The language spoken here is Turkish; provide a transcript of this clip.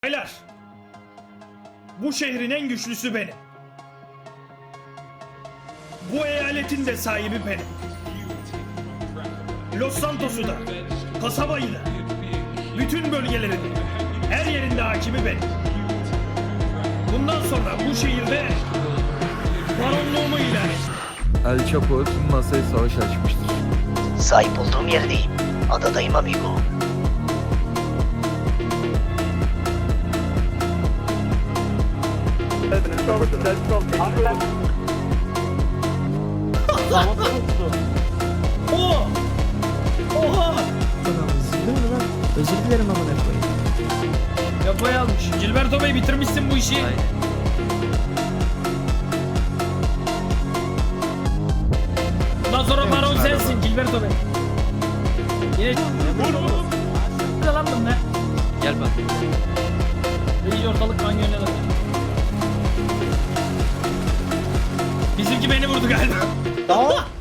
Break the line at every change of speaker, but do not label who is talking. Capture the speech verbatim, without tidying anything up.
Beyler, bu şehrin en güçlüsü benim. Bu eyaletin de sahibi benim. Los Santos'u da, kasabayı da, bütün bölgelerin, her yerinde hakimi benim. Bundan sonra bu şehirde baronluğumu ilan ettim.
El Chapo tüm masaya savaş açmıştır.
Sahip olduğum yerdeyim. Adadayım amigo.
Oo! Oha!
Özür dilerim amına koyayım.
Yapayı almış. Gilberto Bey, bitirmişsin bu işi. Bundan sonra baron sensin Gilberto Bey. Yine ne lan bunlar?
Gel bak.
İyice ortalık kan yönüne dönüyor. Bizimki beni vurdu galiba.
Tamam.